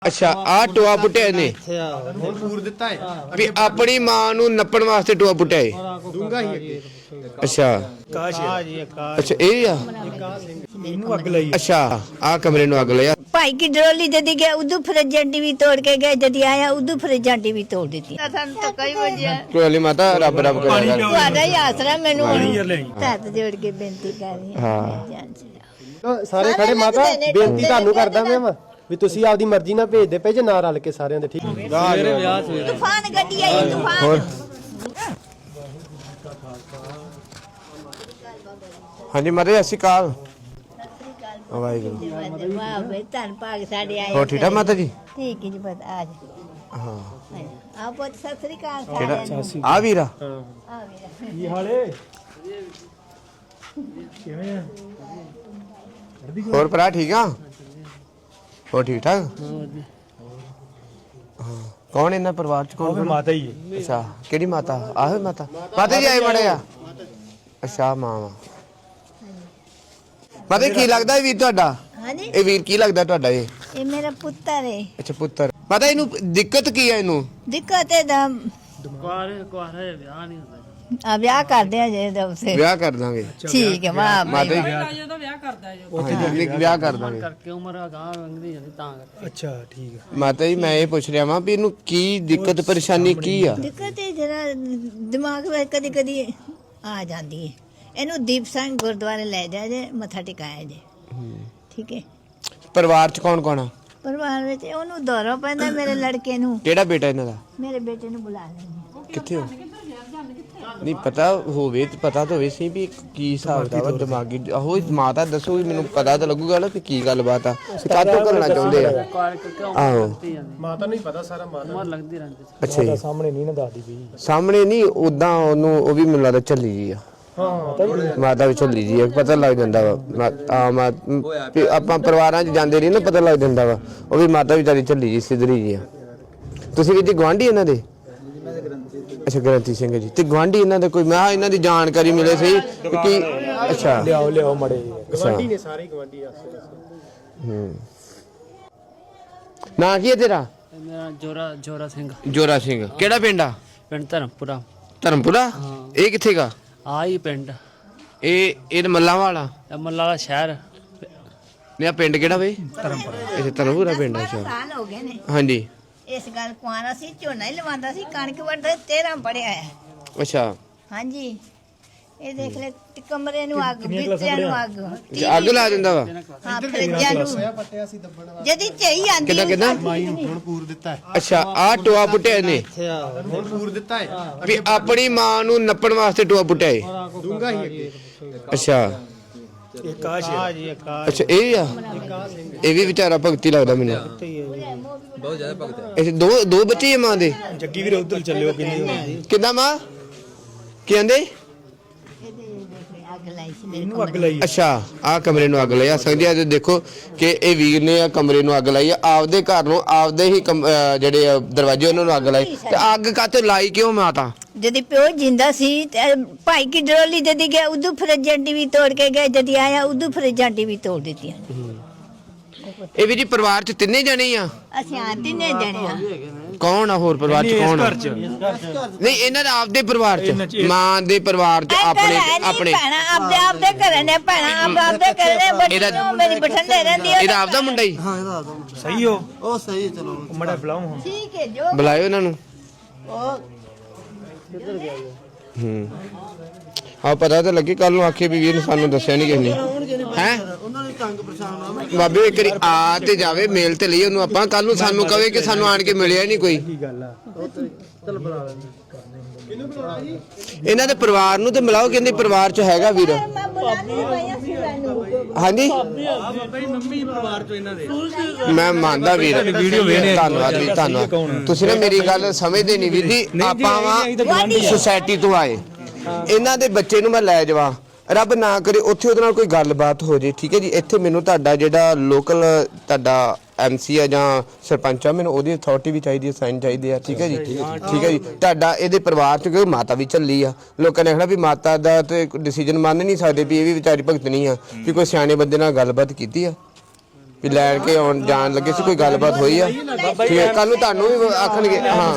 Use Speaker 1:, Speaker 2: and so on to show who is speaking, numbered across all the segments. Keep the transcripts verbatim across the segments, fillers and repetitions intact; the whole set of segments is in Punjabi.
Speaker 1: अच्छा आ टोआ पुट्टिया ने
Speaker 2: ਹੁਣ ਪੂਰ ਦਿੱਤਾ ਹੈ
Speaker 1: भी अपनी मां ਨੂੰ ਨੱਪਣ ਵਾਸਤੇ ਟੋਆ ਪੁੱਟਿਆ ਏ
Speaker 2: ਦੂੰਗਾ ਹੀ ਅੱਗੇ
Speaker 1: ਅੱਛਾ
Speaker 2: ਕਾਸ਼ ਜੀ
Speaker 1: ਅੱਛਾ ਇਹ ਆ
Speaker 2: ਇਹਨੂੰ ਅੱਗ ਲਈ
Speaker 1: ਅੱਛਾ ਆ ਕਮਰੇ ਨੂੰ ਅੱਗ ਲਿਆ
Speaker 3: ਭਾਈ की डरोली जदी गया उदू फ्रिजां टीवी तोड़ के गए जदी आया उदू फ्रिजां टीवी तोड़ दी सानू तो कई वजह
Speaker 1: कोई नहीं माता रब रब करेगा
Speaker 3: ਤੁਹਾਡਾ ਹੀ ਆਸਰਾ ਮੈਨੂੰ ਹੱਥ ਜੋੜ ਕੇ ਬੇਨਤੀ ਕਰ ਰਹੀ ਹਾਂ
Speaker 2: ਸਾਰੇ ਖੜੇ ਮਾਤਾ ਬੇਨਤੀ ਤੁਹਾਨੂੰ ਕਰਦਾ ਮੈਂ ਵੀ ਤੁਸੀਂ ਆਪਦੀ ਮਰਜ਼ੀ ਨਾਲ ਭੇਜਦੇ ਪਏ ਜੇ ਨਾ ਰਲ ਕੇ ਸਾਰਿਆਂ ਦੇ ਠੀਕ ਸਵੇਰੇ ਵਿਆਹ ਸਵੇਰੇ
Speaker 3: ਤੂਫਾਨ ਗੱਡੀ ਆਈ ਤੂਫਾਨ
Speaker 1: हाँ जी माता जी अस्सी काल वाहिगुरु
Speaker 3: ਵਾਹ ਬੇ ਧੰਨ ਭਾਗ ਸਾਡੇ ਆਏ
Speaker 1: हो ठीक है माता जी
Speaker 3: ਠੀਕ ਹੈ ਜੀ ਬਸ ਆ ਜਾ
Speaker 1: हाँ
Speaker 3: ਆ ਬਹੁਤ ਸਤਿ ਸ੍ਰੀ ਅਕਾਲ
Speaker 1: केड़ा
Speaker 3: ਸਾਰਿਆਂ
Speaker 1: आ वीरा
Speaker 3: ਆ ਵੀਰਾ
Speaker 2: ਕੀ ਹਾਲੇ ਕਿਵੇਂ ਆ
Speaker 1: और भरा ठीक आ हो ठीक ठाक हाँ कौन इन्ना परिवार च कौन
Speaker 2: ਮਾਤਾ ਹੀ ਹੈ
Speaker 1: अच्छा केड़ी माता आहो माता माता जी आए बड़े आ अच्छा मां वा माता जी की लगदा है वीर ਤੁਹਾਡਾ
Speaker 3: ਹਾਂਜੀ
Speaker 1: ਇਹ ਵੀਰ ਕੀ ਲੱਗਦਾ ਤੁਹਾਡਾ ਇਹ
Speaker 3: ਇਹ ਮੇਰਾ ਪੁੱਤਰ ਹੈ
Speaker 1: ਅੱਛਾ ਪੁੱਤਰ ਮਾਤਾ ਇਹਨੂੰ ਦਿੱਕਤ ਕੀ ਹੈ ਇਹਨੂੰ
Speaker 3: ਦਿੱਕਤ ਹੈ ਦਾ
Speaker 4: ਕੁਆਰੇ ਕੁਆਰੇ ਵਿਆਹ ਨਹੀਂ ਹੁੰਦਾ
Speaker 3: ਆ ਵਿਆਹ ਕਰਦੇ ਆ ਜੇ ਦਾ ਉਸੇ
Speaker 1: ਵਿਆਹ ਕਰ ਦਾਂਗੇ
Speaker 3: ਠੀਕ ਹੈ ਵਾਹ
Speaker 1: ਮਾਤਾ ਜੀ
Speaker 4: ਜਦੋਂ ਵਿਆਹ ਕਰਦਾ ਜੋ
Speaker 1: ਹਾਂਜੀ ਵਿਆਹ ਕਰ ਦਾਂਗੇ
Speaker 4: ਕਰਕੇ ਉਮਰ ਅਗਾਂਹ ਲੰਘਦੀ ਜਾਂਦੀ ਤਾਂ ਕਰਕੇ
Speaker 2: ਅੱਛਾ ਠੀਕ ਹੈ
Speaker 1: ਮਾਤਾ ਜੀ ਮੈਂ ਇਹ ਪੁੱਛ ਰਿਹਾ ਵਾਂ ਵੀ ਇਹਨੂੰ ਕੀ ਦਿੱਕਤ ਪਰੇਸ਼ਾਨੀ ਕੀ ਆ
Speaker 3: ਦਿੱਕਤ ਹੈ ਜਰਾ ਦਿਮਾਗ ਵਿੱਚ ਕਦੀ ਕਦੀ ਆ ਜਾਂਦੀ ਹੈ ਇਹਨੂੰ ਦੀਪ ਸਿੰਘ ਗੁਰਦੁਆਰੇ ਲੈ ਜਾ ਜੇ ਮੱਥਾ ਟਿਕਾਇਆ ਜੇ ਠੀਕ ਹੈ
Speaker 1: ਪਰਿਵਾਰ ਚ ਕੌਣ ਕੌਣ ਆ
Speaker 3: ਪਰਿਵਾਰ ਵਿੱਚ ਉਹਨੂੰ ਦੌਰਾ ਪੈਂਦਾ ਮੇਰੇ ਲੜਕੇ ਨੂੰ
Speaker 1: ਕਿਹੜਾ ਬੇਟਾ ਇਹਨਾਂ ਦਾ
Speaker 3: ਮੇਰੇ ਬੇਟੇ ਨੂੰ ਬੁਲਾ ਲੈਂਦੇ
Speaker 1: ਕਿੱਥੇ ਹੋ ਨਹੀਂ ਪਤਾ ਹੋਵੇ ਤੇ ਪਤਾ ਤਾਂ ਹੋਵੇ ਸੀ ਵੀ ਕੀ ਹਿਸਾਬ ਦਾ ਵਾ ਦਿਮਾਗੀ ਆਹੋ ਮਾਤਾ ਦੱਸੋ ਵੀ ਮੈਨੂੰ ਪਤਾ ਤਾਂ ਲੱਗੂਗਾ ਨਾ ਕਿ ਕੀ ਗੱਲਬਾਤ ਆ ਕਾਹਤੋਂ ਕਰਨਾ ਚਾਹੁੰਦੇ ਆ
Speaker 4: ਕੁਆਰੇ ਕਰਕੇ
Speaker 1: ਆਹੋ
Speaker 4: ਲੰਘਦੀ ਜਾਂਦੀ
Speaker 2: ਮਾਤਾ ਨੂੰ ਹੀ ਪਤਾ ਸਾਰਾ ਮਾਤਾ
Speaker 4: ਉਮਰ ਲੰਘਦੀ ਰਹਿੰਦੀ ਸੀ
Speaker 1: ਅੱਛਾ ਜੀ
Speaker 2: ਸਾਹਮਣੇ ਨਹੀਂ ਨਾ ਦੱਸਦੀ ਪਈ
Speaker 1: ਸਾਹਮਣੇ ਨਹੀਂ ਉਦਾਂ ਉਹਨੂੰ ਉਹ ਵੀ ਮੈਨੂੰ ਲੱਗਦਾ ਝੱਲੀ ਜੀ ਆ
Speaker 2: ਹਾਂ
Speaker 1: ਮਾਤਾ ਵੀ ਝੱਲੀ ਜੀ ਆ ਪਤਾ ਲੱਗ ਜਾਂਦਾ ਵਾ ਮਾ- ਆ ਮਾ- ਵੀ ਆਪਾਂ ਪਰਿਵਾਰਾਂ 'ਚ ਜਾਂਦੇ ਰਹੀ ਨਾ ਪਤਾ ਲੱਗ ਜਾਂਦਾ ਵਾ ਉਹ ਵੀ ਮਾਤਾ ਵੀ ਵਿਚਾਰੀ ਝੱਲੀ ਜੀ ਸਿੱਧਰੀ ਜੀ ਆ ਤੁਸੀਂ ਵੀ ਜੀ ਗਵਾਂਢੀ ਇਹਨਾਂ ਦੇ ਅੱਛਾ ਗ੍ਰੰਥੀ ਸਿੰਘ ਜੀ ਤੇ ਗਵਾਂਢੀ ਇਹਨਾਂ ਦੇ ਕੋਈ ਮੈਂ ਕਿਹਾ ਇਹਨਾਂ ਦੀ ਜਾਣਕਾਰੀ ਮਿਲੇ ਸਹੀ ਕਿ ਅੱਛਾ
Speaker 2: ਲਿਆਓ ਲਿਆਓ ਮੜੇ
Speaker 1: ਗਵਾਂਢੀ
Speaker 2: ਨੇ ਸਾਰੇ ਗਵਾਂਢੀ ਆਸੇ
Speaker 1: ਹੂੰ ਨਾਂ ਕੀ ਹੈ ਤੇਰਾ
Speaker 4: ਤੇ ਮੇਰਾ ਜੋਰਾ ਜੋਰਾ ਸਿੰਘ
Speaker 1: ਜੋਰਾ ਸਿੰਘ ਕਿਹੜਾ ਪਿੰਡ ਆ
Speaker 4: ਪਿੰਡ ਧਰਮਪੁਰਾ
Speaker 1: ਧਰਮਪੁਰਾ ਇਹ ਕਿੱਥੇ ਗਾ
Speaker 4: ਆ ਹੀ ਪਿੰਡ
Speaker 1: ਇਹ ਇਹ ਮੱਲਾਂ ਵਾਲਾ
Speaker 4: ਇਹ ਮੱਲਾ ਵਾਲਾ ਸ਼ਹਿਰ
Speaker 1: ਨਹੀਂ ਆ ਪਿੰਡ ਕਿਹੜਾ ਬਈ ਧਰਮਪੁਰਾ ਇਹ ਧਰਮਪੁਰਾ ਪਿੰਡ ਆ ਅੱਛਾ
Speaker 3: ਸਾਲ ਹੋ ਗਏ ਨੇ
Speaker 1: ਹਾਂਜੀ
Speaker 3: ਇਸ ਗੱਲ ਕੁਆਰਾ ਸੀ ਝੋਨਾ ਹੀ ਲਵਾਉਂਦਾ ਸੀ ਕਣਕ ਵੱਢਦਾ ਤੇਰਾਂ ਪੜਿਆ ਹੈ
Speaker 1: ਅੱਛਾ
Speaker 3: ਹਾਂਜੀ ਇਹ ਦੇਖ ਲੈ ਤੇ ਕਮਰੇ ਨੂੰ ਅੱਗ ਬਿੱਤਿਆਂ ਨੂੰ ਅੱਗ
Speaker 1: ਅੱਛਾ, ਅੱਗ ਲਾ ਦਿੰਦਾ ਵਾ
Speaker 3: ਹਾਂ ਫਰਿੱਜਾਂ ਨੂੰ ਜਦੀ ਝਈ ਆਂਦੀ
Speaker 1: ਕਿੱਦਾਂ ਕਿੱਦਾਂ
Speaker 2: ਹੁਣ ਪੂਰ ਦਿੱਤਾ ਹੈ
Speaker 1: ਅੱਛਾ ਆ ਟੋਆ ਪੁੱਟਿਆ ਇਹਨੇ
Speaker 2: ਹੁਣ ਪੂਰ ਦਿੱਤਾ ਹੈ
Speaker 1: ਵੀ ਆਪਣੀ ਮਾਂ ਨੂੰ ਨੱਪਣ ਵਾਸਤੇ ਟੋਆ ਪੁੱਟਿਆ ਏ
Speaker 2: ਦੂੰਗਾ ਹੀ ਅੱਗੇ
Speaker 1: ਅੱਛਾ
Speaker 2: ਇਹ ਕਾਸ਼ ਹਾਂ ਜੀ
Speaker 1: ਅੱਛਾ ਇਹ ਆ ਇਹ ਵੀ ਵਿਚਾਰਾ ਭਗਤੀ ਲੱਗਦਾ ਮੈਨੂੰ
Speaker 2: ਬਹੁਤ ਜ਼ਿਆਦਾ ਭਗਤ
Speaker 1: ਇਹ ਦੋ ਦੋ ਬੱਚੇ ਆ ਮਾਂ ਦੇ
Speaker 2: ਜੱਗੀ ਵੀਰ ਉਧਰ ਚੱਲਿਓ ਕਿੰਨੀ
Speaker 1: ਕਿੱਦਾਂ ਮਾਂ ਕੀ ਕਹਿੰਦੇ
Speaker 3: ਅੱਗ ਲਾਈ ਸੀ
Speaker 2: ਇਹਨੂੰ ਅੱਗ ਲਈ
Speaker 1: ਅੱਛਾ ਆ ਕਮਰੇ ਨੂੰ ਅੱਗ ਲਾਈ ਆ ਸਕਦੇ ਆ ਦੇਖੋ ਕਿ ਇਹ ਵੀਰ ਨੇ ਆ ਕਮਰੇ ਨੂੰ ਅੱਗ ਲਾਈ ਆ ਆਪਦੇ ਘਰ ਨੂੰ ਆਪਦੇ ਹੀ ਕਮ- ਅਹ ਜਿਹੜੇ ਆ ਦਰਵਾਜ਼ੇ ਉਹਨਾਂ ਨੂੰ ਅੱਗ ਲਾਈ ਤੇ ਅੱਗ ਕਾਤੇ ਲਾਈ ਕਿਉਂ ਮਾਤਾ
Speaker 3: ਜਦੀ ਪਿਓ ਜਿੰਦਾ ਸੀ ਤੇ ਭਾਈ ਕੀ ਡਰੋਲੀ ਜਦੀ ਗਿਆ ਉਦੋਂ ਫਰਿੱਜਾਂ ਟੀਵੀ ਤੋੜ ਕੇ ਗਏ ਜਦੀ ਆਇਆ ਉਦੋਂ ਫਰਿੱਜਾਂ ਟੀਵੀ ਤੋੜ ਦਿੱਤੀਆਂ
Speaker 1: ਇਹ ਵੀ ਜੀ ਪਰਿਵਾਰ ਚ ਤਿੰਨੇ ਜਣੇ ਆ
Speaker 3: ਅਸੀਂ ਆ ਤਿੰਨੇ ਜਣੇ ਆ
Speaker 1: ਕੌਣ ਆ ਹੋਰ ਪਰਿਵਾਰ ਚ ਕੌਣ ਆ ਨਹੀਂ ਇਹਨਾਂ ਦਾ ਆਪਦੇ ਪਰਿਵਾਰ ਚ ਮਾਂ ਦੇ ਪਰਿਵਾਰ ਚ ਆਪਣੇ ਆਪਣੇ
Speaker 3: ਭੈਣਾ ਆਪਦੇ ਆਪਦੇ ਘਰੇ ਨੇ ਭੈਣਾ ਆਪ ਆਪਦੇ ਘਰੇ ਨੇ ਬੱਚਿਓ ਮੇਰੀ ਬਠੰਡੇ ਰਹਿੰਦੀ ਹੈ
Speaker 1: ਇਹਦਾ ਆਪਦਾ ਮੁੰਡਾ ਹੀ
Speaker 2: ਸਹੀ ਹੋ ਉਹ ਸਹੀ ਚਲੋ ਮੜਾ ਬੁਲਾਓ ਹੁਣ
Speaker 3: ਠੀਕ ਹੈ ਜੋ
Speaker 1: ਬੁਲਾਇਓ ਇਹਨਾਂ ਨੂੰ
Speaker 3: ਉਹ
Speaker 1: ਹੂੰ ਆ ਪਤਾ ਤਾਂ ਲੱਗੇ ਕੱਲ ਨੂੰ ਆਖੇ ਵੀ ਵੀਰ ਨੇ ਸਾਨੂੰ ਦੱਸਿਆ ਨਹੀਂ ਕਿਸੇ ਨੇ ਹੈ
Speaker 2: ਉਹਨਾਂ ਨੇ ਤੰਗ ਪਰੇਸ਼ਾਨ ਹੋਣਾ
Speaker 1: ਬਾਬੇ ਇੱਕ ਵਾਰੀ ਆ ਤੇ ਜਾਵੇ ਮੇਲ ਤੇ ਲਈ ਉਹਨੂੰ ਆਪਾਂ ਕੱਲ ਨੂੰ ਸਾਨੂੰ ਕਵੇ ਕਿ ਸਾਨੂੰ ਆਣ ਕੇ ਮਿਲਿਆ ਨਹੀਂ ਕੋਈ
Speaker 2: ਕੀ ਗੱਲ ਆ ਚਲ ਬੁਲਾ ਲੈ
Speaker 1: ਇਹਨਾਂ ਦੇ ਪਰਿਵਾਰ ਨੂੰ ਤੇ ਮਿਲਾਓ ਕਹਿੰਦੇ ਪਰਿਵਾਰ ਚ ਹੈਗਾ ਵੀਰ
Speaker 3: ਮੈਂ ਬੁਲਾਣੀ ਪਈ ਸੀ ਮੈਨੂੰ
Speaker 1: ਹਾਂਜੀ
Speaker 4: ਮੰਮੀ ਪਰਿਵਾਰ ਚੋਂ ਇਹਨਾਂ ਦੇ
Speaker 1: ਮੈਂ ਮੰਨਦਾ ਵੀਰ ਧੰਨਵਾਦ ਵੀ ਧੰਨਵਾਦ ਤੁਸੀਂ ਨਾ ਮੇਰੀ ਗੱਲ ਸਮਝਦੇ ਨਹੀਂ ਵੀਰ ਜੀ ਆਪਾਂ ਵਾ ਸੁਸਾਇਟੀ ਤੋਂ ਆਏ ਇਹਨਾਂ ਦੇ ਬੱਚੇ ਨੂੰ ਮੈਂ ਲੈ ਜਾਵਾਂ ਰੱਬ ਨਾ ਕਰੇ ਉੱਥੇ ਉਹਦੇ ਨਾਲ ਕੋਈ ਗੱਲਬਾਤ ਹੋ ਜੇ ਠੀਕ ਹੈ ਜੀ ਇੱਥੇ ਮੈਨੂੰ ਤੁਹਾਡਾ ਜਿਹੜਾ ਲੋਕਲ ਤੁਹਾਡਾ ਐਮਸੀ ਆ ਜਾਂ ਸਰਪੰਚ ਆ ਮੈਨੂੰ ਉਹਦੀ ਅਥਾਰਟੀ ਵੀ ਚਾਹੀਦੀ ਹੈ ਸਾਈਨ ਚਾਹੀਦੇ ਆ ਠੀਕ ਹੈ ਜੀ ਠੀਕ ਹੈ ਜੀ ਤੁਹਾਡਾ ਇਹਦੇ ਪਰਿਵਾਰ ਚ ਕਿਉਂਕਿ ਮਾਤਾ ਵੀ ਝੱਲੀ ਆ ਲੋਕਾਂ ਨੇ ਕਹਿਣਾ ਵੀ ਮਾਤਾ ਦਾ ਤੇ ਡਿਸੀਜਨ ਮੰਨ ਨਹੀਂ ਸਕਦੇ ਵੀ ਇਹ ਵੀ ਵਿਚਾਰੀ ਭਗਤ ਨਹੀਂ ਆ ਵੀ ਕੋਈ ਸਿਆਣੇ ਬੰਦੇ ਨਾਲ ਗੱਲਬਾਤ ਕੀਤੀ ਆ ਵੀ ਲੈਣ ਕੇ ਆਉਣ ਜਾਣ ਲੱਗੇ ਸੀ, ਕੋਈ ਗੱਲਬਾਤ ਹੋਈ ਆ? ਠੀਕ ਹੈ, ਕੱਲ ਨੂੰ ਤੁਹਾਨੂੰ ਵੀ ਆਖਣਗੇ। ਹਾਂ ਹਾਂ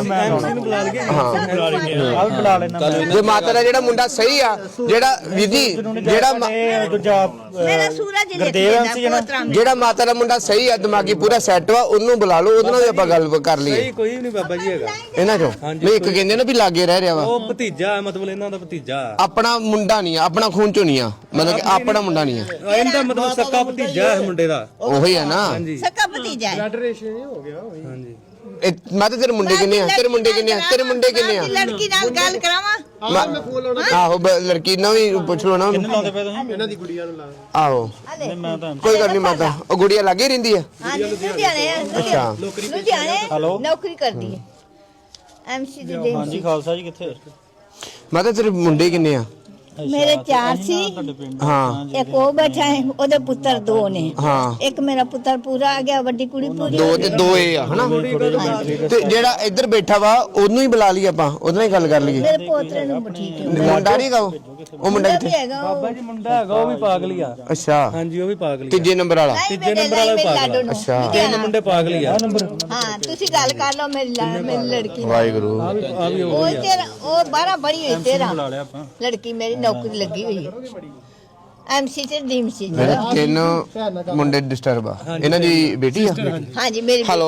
Speaker 1: ਜੇ ਮਾਤਾ ਦਾ ਜਿਹੜਾ ਮੁੰਡਾ ਸਹੀ ਆ, ਜਿਹੜਾ ਵਿਧੀ ਜਿਹੜਾ ਮਾ-
Speaker 3: ਮੇਰਾ ਸੂਰਜ ਲਿਖ ਦੇਣਾ ਪੋਤਰਾ
Speaker 1: ਜਿਹੜਾ ਮਾਤਾ ਦਾ ਮੁੰਡਾ ਸਹੀ ਆ, ਦਿਮਾਗੀ ਪੂਰਾ ਸੈੱਟ ਵਾ, ਉਹਨੂੰ ਬੁਲਾ ਲਓ, ਉਹਦੇ ਨਾਲ ਵੀ ਆਪਾਂ ਗੱਲ ਕਰ ਲਈਏ।
Speaker 5: ਕੋਈ ਨਹੀਂ ਬਾਬਾ ਜੀ ਹੈਗਾ
Speaker 1: ਇਹਨਾਂ ਚੋਂ ਨਹੀਂ, ਇੱਕ ਕਹਿੰਦੇ ਨਾ ਵੀ ਲਾਗੇ ਰਹਿ ਰਿਹਾ ਵਾ,
Speaker 5: ਉਹ ਭਤੀਜਾ ਹੈ, ਮਤਲਬ ਇਹਨਾਂ ਦਾ ਭਤੀਜਾ
Speaker 1: ਆਪਣਾ ਮੁੰਡਾ ਨਹੀਂ ਆ, ਆਪਣਾ ਖੂਨ ਚੋਂ ਨਹੀਂ ਆ, ਮਤਲਬ ਕਿ ਆਪਣਾ ਮੁੰਡਾ ਨਹੀਂ ਆ,
Speaker 5: ਇਹਦਾ ਮਤਲਬ ਸੱਕਾ ਭਤੀਜਾ ਹੈ ਮੁੰਡੇ ਦਾ।
Speaker 1: ਉਹੀ ਆ ਨਾ।
Speaker 3: ਸਕਾ ਭਤੀਜਾ ਹੈ।
Speaker 5: ਹਾਂਜੀ
Speaker 1: ਇਹ ਮੈਂ ਤਾਂ ਤੇਰੇ ਮੁੰਡੇ ਕਿੰਨੇ ਆ? ਤੇਰੇ ਮੁੰਡੇ ਕਿੰਨੇ ਆ? ਤੇਰੇ ਮੁੰਡੇ ਕਿੰਨੇ ਆ?
Speaker 3: ਲੜਕੀ ਨਾਲ ਗੱਲ ਕਰਾਵਾਂ।
Speaker 1: ਮੈਂ- ਆਹੋ ਬ- ਲੜਕੀ ਨਾਲ ਵੀ ਪੁੱਛ ਲਓ ਨਾ ਉਹਨੂੰ।
Speaker 2: ਇਹਨਾਂ ਦੀ ਗੁੜੀਆ ਨੂੰ ਲਾ
Speaker 1: ਆਹੋ ਕੋਈ ਗੱਲ ਨਹੀਂ ਮਾਤਾ, ਉਹ ਗੁੜੀਆ ਲਾਗੇ ਰਹਿੰਦੀ ਆ।
Speaker 3: ਹਾਂ ਲੁਧਿਆਣੇ
Speaker 1: ਅੱਛਾ
Speaker 3: ਲੁਧਿਆਣੇ ਨੌਕਰੀ ਕਰਦੀ ਹੈ ਐਮਸੀ ਦੀ ਦੇ।
Speaker 6: ਹਾਂਜੀ ਖਾਲਸਾ ਜੀ ਕਿੱਥੇ?
Speaker 1: ਮਾਤਾ ਤੇਰੇ ਮੁੰਡੇ ਕਿੰਨੇ ਆ?
Speaker 3: ਮੇਰੇ ਚਾਰ ਸੀ,
Speaker 1: ਹਾਂ
Speaker 3: ਇੱਕ ਉਹ ਬੈਠਾ ਹੈ, ਉਹਦੇ ਪੁੱਤਰ ਦੋ ਨੇ।
Speaker 1: ਹਾਂ
Speaker 3: ਇੱਕ ਮੇਰਾ ਪੁੱਤਰ ਪੂਰਾ ਆ ਗਿਆ, ਵੱਡੀ ਕੁੜੀ ਪੂਰੀ
Speaker 1: ਦੋ ਤੇ ਦੋ ਇਹ ਆ ਹਨਾ। ਤੇ ਜਿਹੜਾ ਇੱਧਰ ਬੈਠਾ ਵਾ ਉਹਨੂੰ ਹੀ ਬੁਲਾ ਲਈ ਆਪਾਂ, ਉਹਦੇ ਨਾਲ ਹੀ ਗੱਲ ਕਰ ਲਈਏ।
Speaker 3: ਮੇਰੇ ਪੋਤਰੇ ਨੂੰ ਠੀਕ ਹੈ।
Speaker 1: ਮੁੰਡਾ ਨਹੀਂ ਗਾ ਉਹ? ਉਹ ਮੁੰਡਾ
Speaker 3: ਵੀ
Speaker 1: ਕਿੱਥੇ?
Speaker 3: ਹੈਗਾ ਉਹ।
Speaker 5: ਬਾਬਾ ਜੀ ਮੁੰਡਾ ਹੈਗਾ, ਉਹ ਵੀ ਪਾਗਲੀ ਆ।
Speaker 1: ਅੱਛਾ
Speaker 5: ਹਾਂਜੀ ਉਹ ਵੀ ਪਾਗਲੀ ਆ।
Speaker 1: ਤੀਜੇ ਨੰਬਰ ਵਾਲਾ।
Speaker 3: ਨਹੀਂ,
Speaker 5: ਤੀਜੇ
Speaker 3: ਮੇਰੇ
Speaker 5: ਨੰਬਰ ਵਾਲਾ
Speaker 3: ਲਈ
Speaker 5: ਪਾਗਲ ਆ।
Speaker 3: ਲਾਡੋ ਨੂੰ।
Speaker 1: ਅੱਛਾ।
Speaker 5: ਤਿੰਨ ਮੁੰਡੇ ਪਾਗਲੀ ਆ।
Speaker 3: ਹਾਂ ਤੁਸੀਂ ਗੱਲ ਕਰ ਲਓ ਮੇਰੀ ਲਾ- ਮੇਰੀ ਲੜਕੀ ਨਾਲ।
Speaker 1: ਵਾਹਿਗੁਰੂ।
Speaker 5: ਆ ਵੀ ਆ ਵੀ
Speaker 3: ਉਹ ਤੇਰਾ ਉਹ ਬਾਰਾਂ ਬੜੀ ਹੋਈ ਤੇਰਾ
Speaker 6: ਬੁਲਾ ਲਿਆ ਆਪਾਂ।
Speaker 3: ਲੜਕੀ ਮੇਰੀ ਨੌਕਰੀ ਲੱਗੀ ਹੋਈ ਹੈ ਐਮਸੀ ਤੇ ਡੀਮਸੀ
Speaker 1: ਮੇਰੇ ਤਿੰਨ ਮੁੰਡੇ ਡਿਸਟਰਬ ਆ। ਇਹਨਾਂ ਦੀ ਬੇਟੀ ਆ?
Speaker 3: ਹਾਂਜੀ ਮੇਰੀ
Speaker 1: ਹੈਲੋ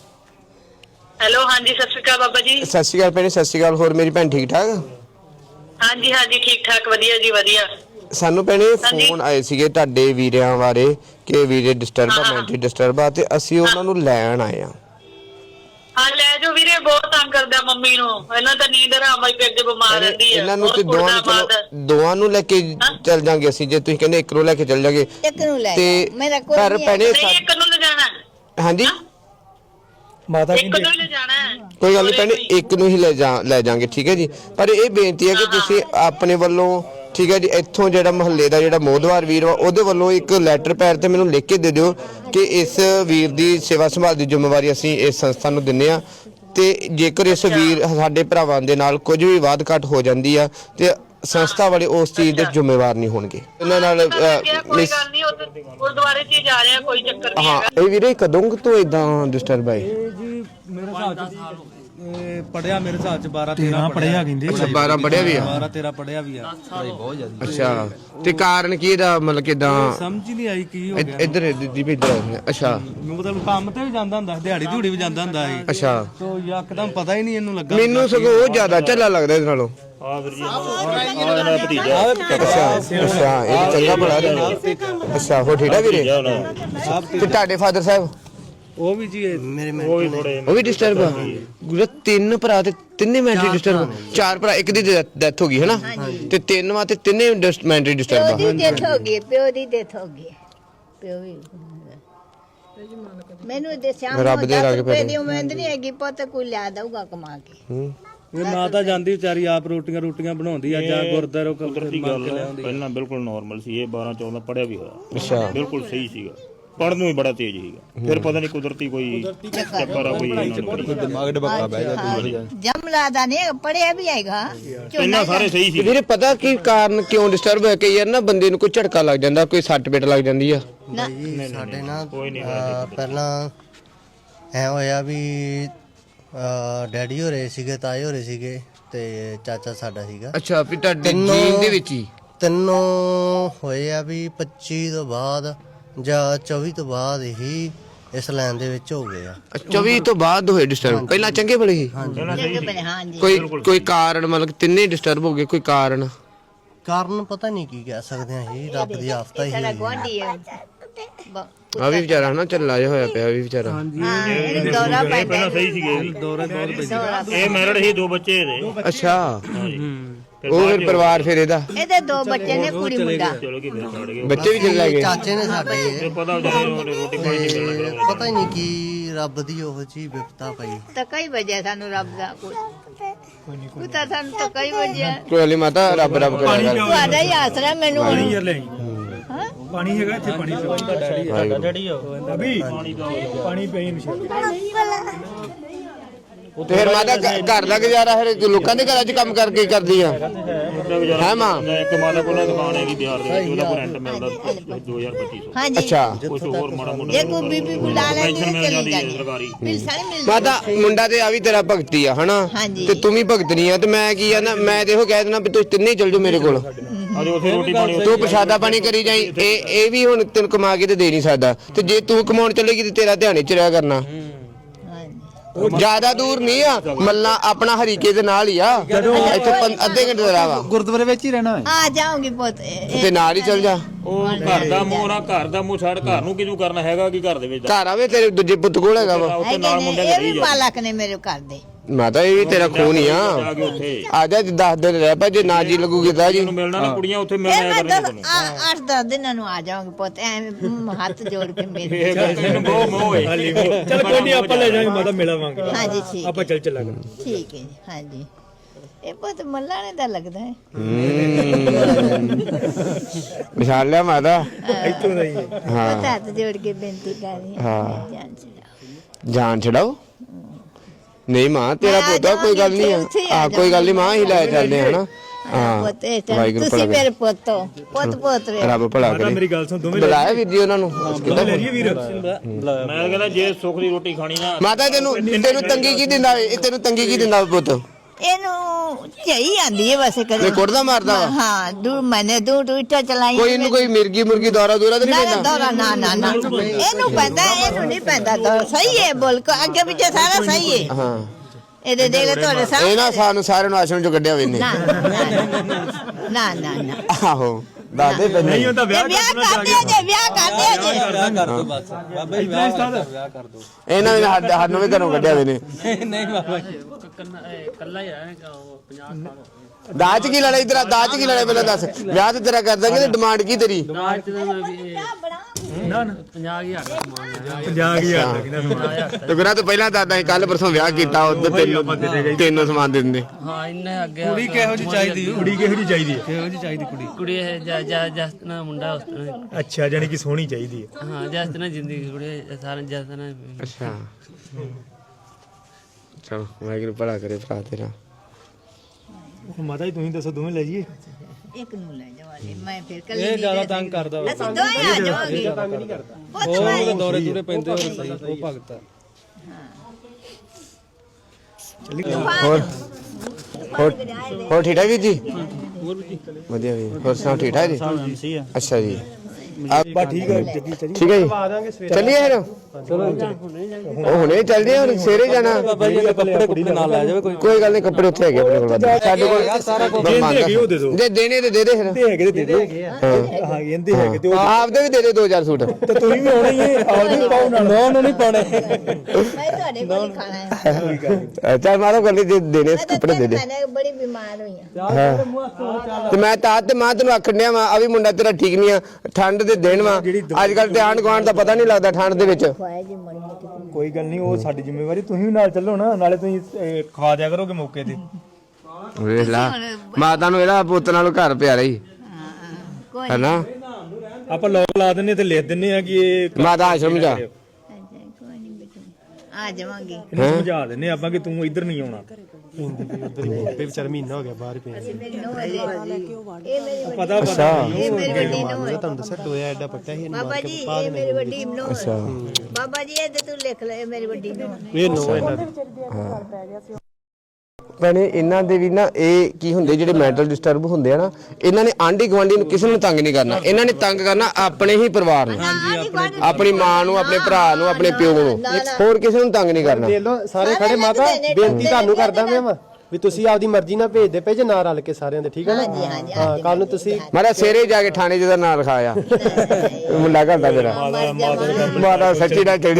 Speaker 7: ਹੈਲੋ ਹਾਂਜੀ ਸਤਿ ਸ਼੍ਰੀ ਅਕਾਲ ਬਾਬਾ ਜੀ।
Speaker 1: ਸਤਿ ਸ਼੍ਰੀ ਅਕਾਲ ਭੈਣੇ। ਸਤਿ ਸ਼੍ਰੀ ਅਕਾਲ। ਹੋਰ ਮੇਰੀ ਭੈਣ ਠੀਕ ਠਾਕ?
Speaker 7: ਹਾਂਜੀ ਹਾਂਜੀ ਠੀਕ ਠਾਕ ਵਧੀਆ ਜੀ ਵਧੀਆ।
Speaker 1: ਸਾਨੂੰ ਭੈਣੇ ਫੋਨ ਆਏ ਸੀਗੇ ਤੁਹਾਡੇ ਵੀਰਿਆਂ ਬਾਰੇ ਕਿ ਵੀਰੇ ਡਿਸਟਰਬ ਆ, ਮੈਂਟਲੀ ਡਿਸਟਰਬ ਆ, ਤੇ ਅਸੀਂ ਉਹਨਾਂ ਨੂੰ ਲੈਣ ਆਏ ਆ।
Speaker 7: ਹਾਂ ਲੈ ਜੋ ਵੀਰੇ, ਬਹੁਤ ਤੰਗ ਕਰਦਾ ਮੰਮੀ ਨੂੰ, ਇਹਨਾਂ ਤਾਂ ਨੀਂਦ ਹਰਾਮ ਹੋਈ ਪਈ, ਅੱਗੇ ਬਿਮਾਰ ਰਹਿੰਦੀ ਹੈ।
Speaker 1: ਇਹਨਾਂ ਨੂੰ ਤੇ
Speaker 7: ਬਹੁਤ
Speaker 1: ਦੋਵਾਂ ਨੂੰ
Speaker 7: ਬਾਅਦ।
Speaker 1: ਚਲੋ ਦੋਵਾਂ ਨੂੰ ਲੈ ਕੇ ਚੱਲ ਜਾਾਂਗੇ ਅਸੀਂ, ਜੇ ਤੁਸੀਂ ਕਹਿੰਦੇ ਇੱਕ ਨੂੰ ਲੈ ਕੇ ਚੱਲ ਜਾਗੇ
Speaker 3: ਇੱਕ ਨੂੰ ਲੈ
Speaker 1: ਤੇ
Speaker 3: ਜਾਓ, ਮੇਰਾ ਕੋਈ
Speaker 1: ਪਰ
Speaker 3: ਨਹੀਂ
Speaker 1: ਭੈਣੇ
Speaker 7: ਨਹੀਂ ਇੱਕ ਨੂੰ ਲਿਜਾਣਾ,
Speaker 1: ਹਾਂਜੀ
Speaker 5: ਮਾਤਾ
Speaker 7: ਇੱਕ ਨੂੰ ਹੀ ਲਿਜਾਣਾ ਹੈ।
Speaker 1: ਕੋਈ ਗੱਲ ਨਹੀਂ ਭੈਣੇ, ਇੱਕ ਨੂੰ ਹੀ ਲੈ ਜਾ ਲੈ ਜਾਾਂਗੇ, ਠੀਕ ਹੈ ਜੀ। ਪਰ ਇਹ ਬੇਨਤੀ ਹੈ ਕਿ ਤੁਸੀਂ ਆਪਣੇ ਵੱਲੋਂ, ਠੀਕ ਹੈ ਜੀ, ਇੱਥੋਂ ਜਿਹੜਾ ਮੁਹੱਲੇ ਦਾ ਜਿਹੜਾ ਮੋਦਵਾਰ ਵੀਰ ਵਾ ਉਹਦੇ ਵੱਲੋਂ ਇੱਕ ਲੈਟਰ ਪੈਡ ਤੇ ਮੈਨੂੰ ਲਿਖ ਕੇ ਦੇ ਦਿਓ ਕਿ ਇਸ ਵੀਰ ਦੀ ਸੇਵਾ ਸੰਭਾਲ ਦੀ ਜ਼ਿੰਮੇਵਾਰੀ ਅਸੀਂ ਇਸ ਸੰਸਥਾ ਨੂੰ ਦਿੰਦੇ ਆ, ਤੇ ਜੇਕਰ ਇਸ ਵੀਰ ਸਾਡੇ ਭਰਾਵਾਂ ਦੇ ਨਾਲ ਕੁਝ ਵੀ ਵਾਧ ਘਟ ਹੋ ਜਾਂਦੀ ਆ ਤੇ ਸੰਸਥਾ ਵਾਲੇ ਉਸ ਚੀਜ਼ ਦੇ ਜ਼ਿੰਮੇਵਾਰ ਨਹੀਂ ਹੋਣਗੇ। ਇਹਨਾਂ ਨਾਲ
Speaker 7: ਤਾਂ ਮੈਂ
Speaker 1: ਅਹ,
Speaker 7: ਕਿਹਾ ਕੋਈ
Speaker 1: ਮਿਸ-
Speaker 7: ਗੱਲ ਨਹੀਂ, ਉਹ ਗੁਰਦੁਆਰੇ 'ਚ ਹੀ ਜਾ ਰਿਹਾ, ਕੋਈ ਚੱਕਰ ਨਹੀਂ
Speaker 1: ਹਾਂ
Speaker 7: ਹੈਗਾ।
Speaker 1: ਇਹ ਵੀਰੇ ਕਦੋਂ ਕੁ ਤੋਂ ਇਦਾਂ ਡਿਸਟਰਬ ਹੈ?
Speaker 5: ਇਹ ਜੀ ਮੇਰੇ ਹਿਸਾਬ ਚ ਇਹ ਪੜਿਆ ਮੇਰੇ ਹਿਸਾਬ ਚ ਬਾਰਾਂ ਤੇਰਾਂ
Speaker 6: ਪੜਿਆ ਕਹਿੰਦੇ
Speaker 1: ਅੱਛਾ ਬਾਰਾਂ ਪੜਿਆ ਵੀ ਆ?
Speaker 5: ਬਾਰਾਂ ਤੇਰਾਂ ਪੜਿਆ ਵੀ ਆ।
Speaker 1: ਅੱਛਾ ਤੇ ਕਾਰਨ ਕੀ ਇਹਦਾ, ਮਤਲਬ ਕਿਦਾਂ?
Speaker 5: ਸਮਝ ਹੀ ਨਹੀਂ ਆਈ ਕੀ ਹੋ ਗਿਆ।
Speaker 1: ਇੱਧਰ ਦੀ ਵੀ ਇੱਧਰ ਆ। ਅੱਛਾ
Speaker 5: ਮਤਲਬ ਕੰਮ ਤੇ ਵੀ ਜਾਂਦਾ ਹੁੰਦਾ, ਦਿਹਾੜੀ ਦਿਹੜੀ ਵੀ ਜਾਂਦਾ ਹੁੰਦਾ ਸੀ।
Speaker 1: ਅੱਛਾ
Speaker 5: ਤੋ ਯਕਦਮ ਪਤਾ ਹੀ ਨਹੀਂ ਇਹਨੂੰ ਲੱਗਾ।
Speaker 1: ਮੈਨੂੰ ਸਗੋਂ ਉਹ ਜ਼ਿਆਦਾ ਝੱਲਾ ਲੱਗਦਾ ਇਹਦੇ ਨਾਲੋਂ।
Speaker 6: ਆ ਵੀਰ ਜੀ ਆ ਇਹਨਾਂ ਦਾ ਭਤੀਜਾ
Speaker 1: ਅੱਛਾ ਅੱਛਾ ਇਹ ਚੰਗਾ ਬੜਾ ਰਿਹਾ। ਅੱਛਾ ਹੋ ਠੀਕਾ ਵੀਰੇ? ਤੇ ਤੁਹਾਡੇ ਫਾਦਰ ਸਾਹਿਬ
Speaker 5: ਉਹ ਵੀ ਜੀ ਇਹ-
Speaker 6: ਉਹ ਵੀ ਥੋੜੇ
Speaker 1: ਉਹ ਵੀ ਡਿਸਟਰਬ ਆ? ਗੁਰੂ ਤਿੰਨ ਭਰਾ ਤੇ ਤਿੰਨੇ ਮੈਂਟਲੀ ਡਿਸਟਰਬ? ਚਾਰ ਭਰਾ, ਇੱਕ ਦੀ ਡੈਥ ਹੋ ਗਈ ਹੈ ਨਾ, ਤੇ ਤਿੰਨ ਵਾ ਤੇ ਤਿੰਨੇ ਮੈਂਟਲੀ ਡਿਸਟਰਬ
Speaker 3: ਪਿਓ
Speaker 1: ਆ।
Speaker 3: ਦੀ ਡੈਥ ਹੋ ਗਈ, ਪਿਓ ਦੀ ਡੈਥ ਹੋ ਗਈ, ਪਿਓ ਵੀ ਮੈਨੂੰ ਦੱਸਿਆ
Speaker 1: ਰੱਬ ਦੇ ਰਾਹ ਕੇ
Speaker 3: ਰੁਪਏ
Speaker 1: ਪੈਸੇ।
Speaker 3: ਦੀ ਉਮੀਦ ਨਹੀਂ ਹੈਗੀ, ਪੁੱਤ ਕੋਈ ਲਿਆ ਦਊਗਾ ਕਮਾ ਕੇ।
Speaker 1: ਹੂੰ।
Speaker 5: ਇਹ ਮਾਤਾ ਜਾਂਦੀ ਵਿਚਾਰੀ ਆਪ ਰੋਟੀਆਂ ਰੋਟੀਆਂ ਬਣਾਉਂਦੀ ਆ, ਜਾਂ ਗੁਰਦਾਰੋਂ
Speaker 6: ਕੁਦਰਤੀ ਗੱਲ ਹੈ। ਪਹਿਲਾਂ ਬਿਲਕੁਲ ਨਾਰਮਲ ਸੀ, ਇਹ ਬਾਰਾਂ ਚੌਦਾਂ ਪੜਿਆ ਵੀ ਹੋਇਆ,
Speaker 1: ਅੱਛਾ
Speaker 6: ਬਿਲਕੁਲ ਸਹੀ ਸੀਗਾ, ਪੜਨ ਨੂੰ ਹੀ ਬੜਾ ਤੇਜ਼ ਸੀਗਾ। ਫਿਰ ਪਤਾ ਨਹੀਂ ਕੁਦਰਤੀ ਕੋਈ ਚੱਕਰ ਆ, ਕੋਈ ਦਿਮਾਗ ਡਬਕਾ ਬਹਿ ਗਿਆ।
Speaker 3: ਜਮਲਾ ਦਾ ਨਹੀਂ ਪੜਿਆ ਵੀ ਹੈਗਾ,
Speaker 6: ਇਹਨਾਂ ਸਾਰੇ ਸਹੀ ਸੀ।
Speaker 1: ਵੀਰੇ ਪਤਾ ਕੀ ਕਾਰਨ ਕਿਉਂ ਡਿਸਟਰਬ ਹੋਇਆ? ਕਈ ਯਾਰ ਨਾ ਬੰਦੇ ਨੂੰ ਕੋਈ ਝਟਕਾ ਲੱਗ ਜਾਂਦਾ, ਕੋਈ ਸੱਟ ਪੇਟ ਲੱਗ ਜਾਂਦੀ ਆ।
Speaker 8: ਸਾਡੇ ਨਾਲ
Speaker 6: ਕੋਈ ਨਹੀਂ
Speaker 8: ਅਹ, ਪਹਿਲਾਂ ਐ ਹੋਇਆ ਵੀ ਅਹ, ਡੈਡੀ ਹੋ ਰਹੇ ਸੀਗੇ, ਤਾਏ ਹੋ ਰਹੇ ਸੀਗੇ, ਤੇ ਚਾਚਾ ਸਾਡਾ ਸੀਗਾ।
Speaker 1: ਅੱਛਾ ਵੀ ਤੁਹਾਡੇ
Speaker 8: ਤਿੰਨੋਂ-
Speaker 1: ਜੀਨ ਦੇ ਵਿੱਚ ਹੀ?
Speaker 8: ਤਿੰਨੋਂ ਹੋਏ ਆ ਵੀ ਪੱਚੀ ਤੋਂ ਬਾਅਦ ਜਾਂ ਚੌਵੀ ਤੋਂ ਬਾਅਦ ਹੀ ਇਸ ਲਾਈਨ ਦੇ ਵਿੱਚ ਹੋ ਗਏ ਆ।
Speaker 1: ਚੌਵੀ ਤੋਂ ਬਾਅਦ ਹੋਏ ਡਿਸਟਰਬ? ਪਹਿਲਾਂ ਚੰਗੇ ਭਲੇ ਸੀ?
Speaker 3: ਹਾਂਜੀ
Speaker 1: ਕੋਈ ਕੋਈ ਕਾਰਨ, ਮਤਲਬ ਤਿੰਨੇ ਡਿਸਟਰਬ ਹੋ ਗਏ, ਕੋਈ ਕਾਰਨ?
Speaker 8: ਕਾਰਨ ਪਤਾ ਨਹੀਂ ਕੀ ਕਹਿ ਸਕਦੇ ਆ, ਇਹ ਰੱਬ ਦੀ ਆਫਤ ਹੀ
Speaker 3: ਸਾਡਾ
Speaker 8: ਹੈ।
Speaker 3: ਗੁਆਂਢੀ ਹੈ
Speaker 1: ਆ ਵੀ ਵਿਚਾਰਾ ਹਨਾ ਝੱਲਾ ਜਿਹਾ ਹੋਇਆ ਪਿਆ ਵੀ ਵਿਚਾਰਾ।
Speaker 3: ਹਾਂ ਇਹਨੂੰ ਦੌਰਾ ਪੈਂਦਾ
Speaker 6: ਪਹਿਲਾਂ ਸਹੀ ਸੀਗੇ,
Speaker 5: ਦੌਰਾ ਬਹੁਤ ਪੈਂਦਾ।
Speaker 6: ਇਹ ਮੈਰਿਡ ਸੀ, ਦੋ ਬੱਚੇ ਇਹਦੇ।
Speaker 1: ਅੱਛਾ ਉਹ ਫਿਰ ਪਰਿਵਾਰ ਫਿਰ ਇਹਦਾ
Speaker 3: ਇਹਦੇ ਦੋ ਬੱਚੇ ਨੇ, ਕੁੜੀ ਮੁੰਡਾ।
Speaker 6: ਚਲੋ ਕੀ ਫਿਰ ਛੱਡ ਗਏ।
Speaker 1: ਬੱਚੇ ਵੀ ਚਲੇ ਗਏ?
Speaker 8: ਚਾਚੇ ਨੇ ਸਾਡੇ
Speaker 6: ਇਹ ਪਤਾ ਉਹਦੇ ਰੋਟੀ ਪਾਣੀ ਨਹੀਂ ਮਿਲਣਾ।
Speaker 8: ਤੇ ਪਤਾ ਹੀ ਨਹੀਂ ਕੀ ਰੱਬ ਦੀ ਉਹ ਜੀ ਵਿਪਤਾ ਪਈ।
Speaker 3: ਤਾਂ ਕਈ ਵਜੇ ਸਾਨੂੰ ਰੱਬ ਦਾ ਕੋਈ ਕੋਈ ਤਾਂ ਸਾਨੂੰ ਤਾਂ ਕਈ ਵਜੇ
Speaker 1: ਕੋਈ ਵਾਲੀ ਮਾਤਾ ਰੱਬ ਰੱਬ ਕਰਿਆ ਕਰ।
Speaker 3: ਤੁਹਾਡਾ ਹੀ ਆਸਰਾ ਮੈਨੂੰ
Speaker 6: ਪਾਣੀ ਹੈਗਾ ਇੱਥੇ, ਪਾਣੀ
Speaker 1: ਵਾਹਿਗੁਰੂ।
Speaker 6: ਡੈਡੀ ਅਭੀ ਪਾਣੀ ਪਈ ਨਹੀਂ।
Speaker 1: ਤੇ ਫਿਰ ਮਾਤਾ ਘ- ਘਰ ਦਾ ਗੁਜ਼ਾਰਾ ਫਿਰ ਲੋਕਾਂ ਦੇ ਘਰਾਂ 'ਚ ਕੰਮ ਕਰਕੇ ਕਰਦੀ ਆ? ਹੈ ਮਾਂ
Speaker 6: ਇੱਕ ਮਾਤਾ ਕੋਲ ਦੁਕਾਨ ਹੈਗੀ ਬਿਹਾਰ ਦੇ ਵਿੱਚ, ਉਹਦਾ ਕੋਈ ਰੈਂਟ ਮਿਲਦਾ ਦੋ ਹਜ਼ਾਰ ਪੱਚੀ ਸੌ।
Speaker 3: ਹਾਂਜੀ
Speaker 1: ਅੱਛਾ
Speaker 6: ਕੁਝ ਹੋਰ ਮਾੜਾ ਮੋਟਾ
Speaker 3: ਜੇ ਕੋਈ ਬੀਬੀ ਬੁਲਾ ਲੈਂਦੀ
Speaker 6: ਪੈਨਸ਼ਨ
Speaker 3: ਹੈ
Speaker 6: ਮਿਲ
Speaker 3: ਚਲੀ
Speaker 6: ਜਾਂਦੀ ਹੈ
Speaker 3: ਜਾਂਦੀ
Speaker 6: ਸਰਕਾਰੀ।
Speaker 3: ਮਿਲ ਸਾਰੇ ਮਿਲ
Speaker 1: ਮਾਤਾ ਮੁੰਡਾ ਤੇ ਆ ਵੀ ਤੇਰਾ ਭਗਤੀ ਆ ਹਨਾ
Speaker 3: ਹਾਂਜੀ।
Speaker 1: ਤੇ ਤੂੰ ਵੀ ਭਗਤਣੀ ਆ ਤੇ ਮੈਂ ਕੀ ਆ ਨਾ ਮੈਂ ਤੇ ਇਹੋ ਕਹਿ ਦੇਣਾ ਵੀ ਤੁਸੀਂ ਤਿੰਨੇ ਹੀ ਚੱਲ ਜਾਓ ਮੇਰੇ ਕੋਲ
Speaker 6: ਅਜੇ ਉੱਥੇ ਰੋਟੀ ਪਾਣੀ
Speaker 1: ਤੂੰ ਪ੍ਰਸ਼ਾਦਾ ਪਾਣੀ ਕਰੀ ਜਾਈ ਇਹ ਇਹ ਵੀ ਹੁਣ ਤੈਨੂੰ ਕਮਾ ਕੇ ਤੇ ਦੇ ਨਹੀਂ ਸਕਦਾ ਤੇ ਜੇ ਤੂੰ ਕਮਾਉਣ ਚੱਲੇਗੀ ਤੇ ਤੇਰਾ ਧਿਆਨ ਚ ਰਿਹਾ ਕਰਨਾ ਜਿਆਦਾ ਦੂਰ ਨਹੀਂ ਆ ਮੱਲਾ ਆਪਣਾ ਹਰੀਕੇ ਦੇ ਨਾਲ ਹੀ ਆ ਇੱਥੇ ਪੰ- ਅੱਧੇ ਘੰਟੇ ਦਾ ਰਾਹ ਵਾ
Speaker 5: ਗੁਰਦੁਆਰੇ ਵਿੱਚ ਹੀ ਰਹਿਣਾ ਹੈ।
Speaker 3: ਆ ਜਾਉਂਗੀ ਪੁੱਤ ਇਹ-
Speaker 1: ਤੇ ਨਾਲ ਹੀ ਚੱਲ ਜਾ
Speaker 6: ਉਹ ਘਰ ਦਾ ਮੂੰਹ ਨਾ ਘਰ ਦਾ ਮੂੰਹ ਛੱਡ ਘਰ ਨੂੰ ਕਿਦੋਂ ਕਰਨਾ ਹੈਗਾ ਕੀ ਘਰ ਦੇ ਵਿੱਚ
Speaker 1: ਘਰ ਆਵੇ ਤੇਰੇ ਦੂਜੇ ਪੁੱਤ ਕੋਲ ਹੈਗਾ ਵਾ
Speaker 6: ਉੱਥੇ ਨਾਲ ਮੁੰਡੇ
Speaker 3: ਇਹ
Speaker 6: ਦੇ
Speaker 3: ਵੀ ਮਾਲਕ ਨੇ ਮੇਰੇ ਘਰ ਦੇ
Speaker 1: ਮਾਤਾ ਇਹ ਵੀ ਤੇਰਾ ਖੂਨ ਹੀ ਆ
Speaker 6: ਜਾ ਕੇ ਉੱਥੇ
Speaker 1: ਆ ਜਾ ਦਸ ਦਿਨ ਰਹਿ ਪਾ ਜੇ ਨਾ ਜੀ ਲੱਗੂਗੀ ਤਾਂ ਜੀ
Speaker 6: ਨੂੰ ਮਿਲਣਾ ਨਾ ਕੁੜੀਆਂ ਉੱਥੇ
Speaker 3: ਇਹ
Speaker 6: ਮਿਲਣਾ
Speaker 3: ਮੈਂ
Speaker 6: ਕਰਨੀਆਂ
Speaker 3: ਦਸ
Speaker 6: ਤੈਨੂੰ
Speaker 3: ਆ- ਅੱਠ ਦਸ ਦਿਨਾਂ ਨੂੰ ਆ ਜਾਵਾਂਗੀ ਪੁੱਤ ਐਵੇਂ ਮ, ਹੱਥ ਜੋੜ ਕੇ ਮੇਰੇ
Speaker 6: ਇਹ ਗੱਲ ਤੈਨੂੰ ਬਹੁਤ ਮੋਹ ਹੈ
Speaker 5: ਚੱਲ ਕੋਈ ਨਹੀਂ ਆਪਾਂ ਲੈ ਜਾਵਾਂਗੇ ਮਾਤਾ ਮਿਲਾਵਾਂਗੇ
Speaker 3: ਹਾਂਜੀ ਠੀਕ
Speaker 5: ਆਪਾਂ ਚੱਲ ਚੱਲਾਂਗੇ।
Speaker 3: ਠੀਕ ਹੈ ਜੀ ਹਾਂਜੀ ਇਹ ਪੁੱਤ ਮੱਲਾਣੇ ਦਾ ਲੱਗਦਾ ਹੈ
Speaker 1: ਵਿਸ਼ਾਲ ਲਿਆ ਮਾਤਾ
Speaker 5: ਇੱਥੋਂ ਦਾ ਹੀ ਹੈ।
Speaker 1: ਹਾਂ
Speaker 3: ਪੁੱਤ ਹੱਥ ਜੋੜ ਕੇ ਬੇਨਤੀ ਕਰ ਰਹੀ ਹਾਂ
Speaker 1: ਹਾਂ।
Speaker 3: ਜਾਨ ਛਡਾਓ।
Speaker 1: ਜਾਨ ਛਡਾਓ ਨਹੀਂ ਮਾਂ ਤੇਰਾ
Speaker 3: ਮੈਂ
Speaker 1: ਪੁੱਤ ਆ, ਕੋਈ ਗੱਲ ਨਹੀਂ
Speaker 3: ਉੱਥੇ ਹੀ ਆ
Speaker 1: ਆ ਕੋਈ ਗੱਲ ਨਹੀਂ ਮਾਂ ਹੀ ਲੈ ਚੱਲਦੇ ਆ ਨਾ ਹਾਂ
Speaker 3: ਪੁੱਤ ਇਹ time
Speaker 1: ਵਾਹਿਗੁਰੂ
Speaker 3: ਤੁਸੀਂ
Speaker 1: ਭਲਾ
Speaker 3: ਮੇਰੇ ਪੁੱਤ ਹੋ ਪੁੱਤ ਪੁੱਤ ਰੇ
Speaker 1: ਰੱਬ ਭਲਾ
Speaker 5: ਮਾਤਾ ਮੇਰੀ
Speaker 1: ਕਰੇ
Speaker 5: ਗੱਲ ਸੁਣ ਦੋਵੇਂ
Speaker 1: ਬੁਲਾਇਆ ਵੀਰ ਜੀ ਉਹਨਾਂ ਨੂੰ
Speaker 5: ਲੈ ਲਈਏ ਵੀਰ।
Speaker 6: ਮੈਂ ਕਹਿੰਦਾ ਜੇ ਸੁੱਖ ਦੀ ਰੋਟੀ ਖਾਣੀ ਨਾ
Speaker 1: ਮਾਤਾ ਤੈਨੂੰ ਤੈਨੂੰ ਤੰਗੀ ਕੀ ਦਿੰਦਾ ਵੇ ਇਹ ਤੈਨੂੰ ਤੰਗੀ ਕੀ ਦਿੰਦਾ ਵੇ ਪੁੱਤ
Speaker 3: ਇਹਨੂੰ ਝਈ ਆਂਦੀ ਹੈ ਵੈਸੇ ਕਦੇ
Speaker 1: ਇਹ ਕੁੱਟਦਾ ਮਾਰਦਾ ਵਾ
Speaker 3: ਹਾਂ ਦੂ ਮੈਨੇ ਦੂ ਟਵਿੱਟਰ ਚਲਾਈ
Speaker 1: ਕੋਈ ਇਹਨੂੰ ਕੋਈ ਮਿਰਗੀ ਮੁਰਗੀ ਦੌਰਾ ਦੂਰਾ ਤੇ
Speaker 3: ਨਾ
Speaker 1: ਨਹੀਂ
Speaker 3: ਨਾ
Speaker 1: ਪੈਂਦਾ
Speaker 3: ਦੌਰਾ ਨਾ ਨਾ ਨਾ ਇਹਨੂੰ ਪੈਂਦਾ ਇਹਨੂੰ ਨਹੀਂ ਪੈਂਦਾ ਦੌਰਾ ਸਹੀ ਹੈ ਬੋਲ ਕੋ ਅੱਗੇ ਪਿੱਛੇ ਸਾਰਾ ਸਹੀ ਹੈ
Speaker 1: ਹਾਂ
Speaker 3: ਇਹਦੇ ਦੇਖ ਲੈ ਤੁਹਾਡੇ
Speaker 1: ਇਹ
Speaker 3: ਸਾਹਮਣੇ
Speaker 1: ਨਾ ਸਾਨੂੰ ਸਾਰਿਆਂ ਨੂੰ ਆਸ਼ਰਮ ਚੋਂ ਕੱਢਿਆ ਵੇ ਨੇ
Speaker 3: ਨਾ ਨਾ ਨਾ ਨਾ
Speaker 1: ਆਹੋ ਦਾਦੇ ਬੰਦੇ
Speaker 5: ਨਹੀਂ ਹੁੰਦਾ
Speaker 3: ਇਹ
Speaker 5: ਵਿਆਹ
Speaker 3: ਵਿਆਹ ਕਰਦੇ ਆ ਜੇ ਵਿਆਹ ਕਰਦੇ ਆ ਜੇ
Speaker 5: ਵਿਆਹ ਕਰ ਦੋ ਬਸ ਬਾਬਾ ਜੀ ਵਿਆਹ ਕਰ ਦੋ।
Speaker 1: ਇਹਨਾਂ ਨੇ ਸਾਡੇ ਸਾਨੂੰ ਵੀ ਘਰੋਂ ਕੱਢਿਆ ਵੇ ਨੇ
Speaker 5: ਨਹੀਂ ਬਾਬਾ ਜੀ
Speaker 4: ਕੱਲਾ ਹੀ ਰਹਿਣਾ ਉਹ ਪੰਜਾਹ ਸਾਲ
Speaker 1: ਦਾਜ ਕੀ ਲੜਾਈ ਤੇਰਾ ਦਾਜ ਕੀ ਲੜਾਈ ਪਹਿਲਾਂ ਦੱਸ ਵਿਆਹ ਤੇ ਤੇਰਾ ਕਰ ਦਾਂਗੇ ਤੇ ਡਿਮਾਂਡ ਕੀ ਤੇਰੀ
Speaker 4: ਦਾਜ ਤੇ ਮੈਂ ਵੀ
Speaker 5: ਨਾ ਨਾ
Speaker 4: ਪੰਜਾਹ ਹਜ਼ਾਰ ਦਾ ਸਮਾਨ ਲਿਆ
Speaker 5: ਪੰਜਾਹ ਹਜ਼ਾਰ ਦਾ ਕਿੰਨਾ
Speaker 1: ਤੇ ਗੁਰਾ ਤੋਂ ਪਹਿਲਾਂ ਦਾਦਾ ਕੱਲ ਪਰਸੋਂ ਵਿਆਹ ਕੀਤਾ ਉਧਰ ਤੈਨੂੰ ਤੈਨੂੰ ਸਮਾਨ ਦੇ ਦਿੰਦੇ
Speaker 4: ਹਾਂ ਇੰਨੇ ਅੱਗੇ
Speaker 5: ਕੁੜੀ ਕਿਹੋ ਜਿਹੀ ਚਾਹੀਦੀ ਕੁੜੀ ਕਿਹੋ ਜਿਹੀ ਚਾਹੀਦੀ ਹੈ ਕਿਹੋ ਜਿਹੀ ਚਾਹੀਦੀ ਕੁੜੀ
Speaker 4: ਕੁੜੀ ਇਹ ਜਾ ਜਾ ਜਸ ਨਾ ਮੁੰਡਾ ਉਸ ਤਰ੍ਹਾਂ
Speaker 5: ਅੱਛਾ ਜਾਨੀ ਕਿ ਸੋਹਣੀ ਚਾਹੀਦੀ ਹੈ।
Speaker 4: ਹਾਂ ਜਸ ਤਰ੍ਹਾਂ ਜ਼ਿੰਦਗੀ ਕੁੜੀ ਸਾਰਾ ਜਸ ਤਰ੍ਹਾਂ
Speaker 1: ਅੱਛਾ ਚਲੋ ਵਾਹਿਗੁਰੂ ਭਲਾ ਕਰੇ ਭਰਾ ਤੇਰਾ
Speaker 5: ਹੁਣ ਮਾਤਾ ਜੀ ਤੁਸੀਂ ਦੱਸੋ ਦੋਵੇਂ ਲੈ ਜਾਈਏ।
Speaker 3: ਇੱਕ ਨੂੰ ਲੈ ਜਾਵਾਂਗੇ ਮੈਂ ਫਿਰ ਕੱਲੀ
Speaker 5: ਇਹ ਜ਼ਿਆਦਾ ਤੰਗ ਕਰਦਾ ਵਾ।
Speaker 3: ਅਸੀਂ ਦੋਵੇਂ ਆ ਜਾਵਾਂਗੇ
Speaker 2: ਤੰਗ ਨਹੀਂ ਕਰਦਾ
Speaker 3: ਪੁੱਛ ਮੈਂ
Speaker 5: ਦੌਰੇ ਦੂਰੇ ਪੈਂਦੇ ਹੋ ਸਹੀ ਉਹ ਭਗਤਾ
Speaker 1: ਹੋਰ ਹੋਰ ਹੋਰ ਠੀਕ ਠਾਕ ਵੀਰ ਜੀ ਵਧੀਆ ਵੀ ਹੋਰ ਸੁਣਾਓ ਠੀਕ ਠਾਕ ਜੀ ਅੱਛਾ ਜੀ
Speaker 5: ਬਾ ਠੀਕ ਹੈ ਜੱਗੀ ਚਲੀ
Speaker 1: ਠੀਕ ਹੈ ਜੀ
Speaker 2: ਆ ਦਾਂਗੇ ਸਵੇਰੇ
Speaker 1: ਚੱਲੀਏ ਫਿਰ ਉਹ ਹੁਣੇ ਚੱਲਦੇ ਹੁਣ ਸਵੇਰੇ ਜਾਣਾ
Speaker 5: ਬਾਬਾ ਜੀ ਕੱਪੜੇ ਕੁੜੀ ਨਾਲ ਲੈ ਜਾਵੇ ਕੋਈ
Speaker 1: ਕੋਈ ਗੱਲ ਨਹੀਂ ਕੱਪੜੇ ਉੱਥੇ ਹੈਗੇ ਆਪਣੇ ਕੋਲ ਵੱਧ। ਸਾਡੇ ਕੋਲ ਸਾਰਾ ਕੁਝ
Speaker 5: ਹੈਗੇ ਉਹ ਦੇ ਦਿਓ।
Speaker 1: ਜੇ ਦੇਣੇ ਤੇ ਦੇ ਦੇ ਫਿਰ
Speaker 5: ਹੈਗੇ ਤੇ ਦੇ ਦਿਓ ਹਾਂ ਇਹਦੇ ਹੈਗੇ ਤੇ
Speaker 1: ਆਪਦੇ ਵੀ ਦੇ ਦੇ ਦੋ ਚਾਰ ਸੂਟ
Speaker 5: ਤੇ ਤੁਸੀਂ ਵੀ ਆਉਣਾ ਹੀ ਹੈ ਆਪਦੇ ਵੀ ਪਾਉ ਨਾਲ ਨੋ ਨਹੀਂ ਪਾਉਣੇ
Speaker 3: ਮੈਂ ਤੁਹਾਡੇ ਕੋਲ ਹੀ ਖਾਣਾ ਹੈ
Speaker 1: ਚੱਲ ਮਾਰੋ ਗੱਲ ਜੇ ਦੇਣੇ
Speaker 3: ਮੈਂ ਤਾਂ
Speaker 1: ਕੱਪੜੇ ਦੇ ਦੇ
Speaker 3: ਮੈਂ ਬੜੀ ਬਿਮਾਰ ਹੋਈ ਹਾਂ
Speaker 1: ਤੇ ਮੈਂ ਤਾਂ ਤੇ ਮਾਂ ਤੈਨੂੰ ਆਖਣ ਡਿਆ ਵਾ ਆ ਵੀ ਮੁੰਡਾ ਤੇਰਾ ਠੀਕ ਨਹੀਂ ਆ ਠੰਡ ਦੇ ਦਿਨ ਵਾ ਅੱਜ ਕੱਲ ਤੇ ਆਂਢ ਗੁਆਂਢ ਦਾ ਪਤਾ ਨਹੀਂ ਲੱਗਦਾ ਠੰਡ ਦੇ ਵਿੱਚ
Speaker 3: ਖਵਾਇਆ ਜੀ ਮੜੀ ਮੋਟੀ
Speaker 5: ਕੋਈ ਗੱਲ ਨਹੀਂ ਉਹ ਸਾਡੀ ਜ਼ਿੰਮੇਵਾਰੀ ਤੁਸੀਂ ਵੀ ਨਾਲ ਚੱਲੋ ਨਾ ਨਾਲੇ ਤੁਸੀਂ ਇਹ, ਖਾ ਦਿਆ ਕਰੋਗੇ ਮੌਕੇ ਤੇ
Speaker 1: ਵੇਖ ਲਾ ਮਾਤਾ ਨੂੰ ਇਹਦਾ ਪੁੱਤ ਨਾਲੋਂ ਘਰ ਪਿਆਰਾ ਹੀ
Speaker 3: ਕੋਈ
Speaker 1: ਹੈਨਾ
Speaker 5: ਆਪਾਂ ਲੋਕ ਲਾ ਦਿੰਨੇ ਤੇ ਲਿਖ ਦਿੰਨੇ ਆ ਕਿ ਇਹ
Speaker 1: ਮਾਤਾ ਆਸ਼ਰਮ ਜਾ
Speaker 3: ਕੋਈ ਨਹੀਂ ਬੇਟਾ ਆ ਜਾਵਾਂਗੇ
Speaker 5: ਇਹਨੂੰ ਸਮਝਾ ਦਿੰਨੇ ਆਪਾਂ ਕਿ ਤੂੰ ਇੱਧਰ ਨਹੀਂ ਆਉਣਾ
Speaker 2: ਤੇ ਵਿਚਾਰ ਮਹੀਨਾ ਹੋ ਗਿਆ ਬਾਹਰ ਪਿਆ
Speaker 3: ਇਹ ਮੇਰੀ
Speaker 5: ਪਤਾ
Speaker 1: ਅੱਛਾ
Speaker 3: ਇਹ ਮੇਰੀ ਵੱਡੀ ਨੂੰ
Speaker 2: ਤੁਹਾਨੂੰ ਦੱਸਿਆ ਟੋਇਆ ਐਡਾ ਪੱਟਿਆ ਸੀ ਇਹਨੂੰ
Speaker 3: ਬਾਬਾ ਜੀ ਇਹ ਮੇਰੀ ਵੱਡੀ ਨੂੰ ਬਾਬਾ ਜੀ ਇਹ ਤੇ ਤੂੰ ਲਿਖ ਲੈ ਇਹ ਮੇਰੀ ਵੱਡੀ ਨੂੰ
Speaker 2: ਇਹ ਨੋ ਇਹਨਾਂ ਦੀ
Speaker 1: ਭੈਣੇ ਇਹਨਾਂ ਦੇ ਵੀ ਨਾ ਇਹ ਕੀ ਹੁੰਦੇ ਜਿਹੜੇ ਮੈਂਟਲ ਡਿਸਟਰਬ ਹੁੰਦੇ ਆ ਨਾ ਇਹਨਾਂ ਨੇ ਆਂਢੀ ਗੁਆਂਢੀ ਨੂੰ ਕਿਸੇ ਨੂੰ ਤੰਗ ਨਹੀਂ ਕਰਨਾ ਇਹਨਾਂ ਨੇ ਤੰਗ ਕਰਨਾ ਆਪਣੇ ਹੀ ਪਰਿਵਾਰ ਨੂੰ ਆਪਣੀ ਮਾਂ ਨੂੰ ਆਪਣੇ ਭਰਾ ਨੂੰ ਆਪਣੇ ਪਿਓ ਨੂੰ ਹੋਰ ਕਿਸੇ ਨੂੰ ਤੰਗ ਨਹੀਂ ਕਰਨਾ
Speaker 2: ਦੇਖ ਲਓ ਸਾਰੇ ਖੜੇ ਮਾਤਾ ਬੇਨਤੀ ਤੁਹਾਨੂੰ ਕਰਦਾ ਮੈਂ ਵਾ ਵੀ ਤੁਸੀਂ ਆਪਦੀ ਮਰਜ਼ੀ ਨਾਲ ਭੇਜਦੇ ਪਏ ਜੇ ਨਾ ਰਲ ਕੇ ਸਾਰਿਆਂ ਦੇ ਠੀਕ ਹੈ ਨਾ ਹਾਂ ਕੱਲ ਨੂੰ ਤੁਸੀਂ
Speaker 1: ਮਾਰਾ ਸਵੇਰੇ ਜਾ ਕੇ ਥਾਣੇ ਜਿਹਦਾ ਨਾਂ ਲਿਖਾਇਆ ਮੁੰਡਾ ਘੰਟਾ ਤੇਰਾ ਮਾਤਾ ਸੱਚੀ ਨਾ ਚੜੀ